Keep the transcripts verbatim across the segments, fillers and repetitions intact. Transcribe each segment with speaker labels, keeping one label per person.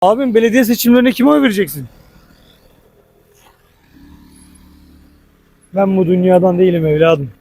Speaker 1: Abim belediye seçimlerine kime oy vereceksin? Ben bu dünyadan değilim evladım.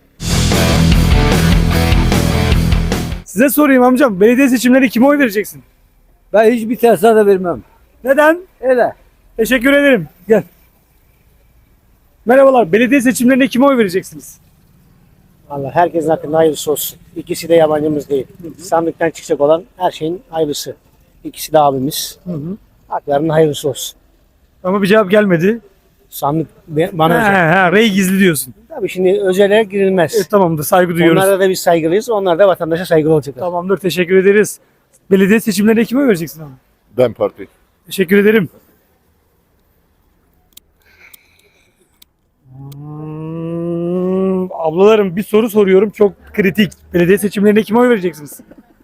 Speaker 1: Size sorayım amcam. Belediye seçimlerine kime oy vereceksin?
Speaker 2: Ben hiçbir tersa da vermem.
Speaker 1: Neden?
Speaker 2: Öyle.
Speaker 1: Teşekkür ederim. Gel. Merhabalar. Belediye seçimlerine kime oy vereceksiniz?
Speaker 3: Allah herkesin hakkında hayırlısı olsun. İkisi de yabancımız değil. Sandıktan çıkacak olan her şeyin hayırlısı. İkisi de abimiz.
Speaker 1: Hı hı.
Speaker 3: Haklarının hayırlısı olsun.
Speaker 1: Ama bir cevap gelmedi.
Speaker 3: Sandık be- bana
Speaker 1: Ha,
Speaker 3: özel.
Speaker 1: ha, rey gizli diyorsun.
Speaker 3: Tabii şimdi özele girilmez.
Speaker 1: E, tamamdır. Saygı duyuyoruz.
Speaker 3: Onlara da biz saygılıyız. Onlar da vatandaşa saygılı olacaklar.
Speaker 1: Tamamdır. Teşekkür ederiz. Belediye seçimlerine kime oy vereceksin abi?
Speaker 4: DEM Parti.
Speaker 1: Teşekkür ederim. Hmm, ablalarım bir soru soruyorum. Çok kritik. Belediye seçimlerine kime oy vereceksiniz?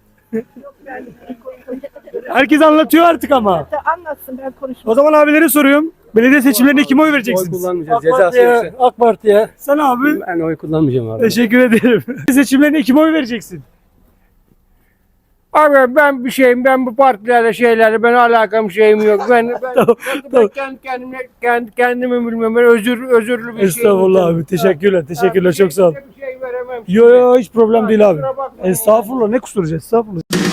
Speaker 1: Herkes anlatıyor artık ama.
Speaker 5: Anlatsın, ben konuşmam.
Speaker 1: O zaman abilere soruyorum. Belediye seçimlerine kime oy
Speaker 2: Oy
Speaker 1: vereceksiniz?
Speaker 2: kullanmayacağız.
Speaker 3: AK
Speaker 2: Cezası
Speaker 3: Parti'ye,
Speaker 2: yoksa.
Speaker 3: AK Parti'ye.
Speaker 1: Sen abi.
Speaker 2: Ben oy kullanmayacağım abi.
Speaker 1: Teşekkür ederim. Belediye seçimlerine kime oy vereceksin?
Speaker 6: Abi ben bir şeyim, ben bu partilerle şeylerle ben alakam şeyim yok. Ben ben,
Speaker 1: Tamam,
Speaker 6: ben,
Speaker 1: tamam.
Speaker 6: kendi kendime kendi kendimi bilmem. Ben özür özürlü bir şeyim.
Speaker 1: Estağfurullah abi. Teşekkürler. Teşekkürler. Çok sağ ol.
Speaker 6: Bir şey veremem.
Speaker 1: Yo yo hiç problem değil abi.
Speaker 6: Kusura bakma.
Speaker 1: Estağfurullah. Ne kusturacağız? Estağfurullah.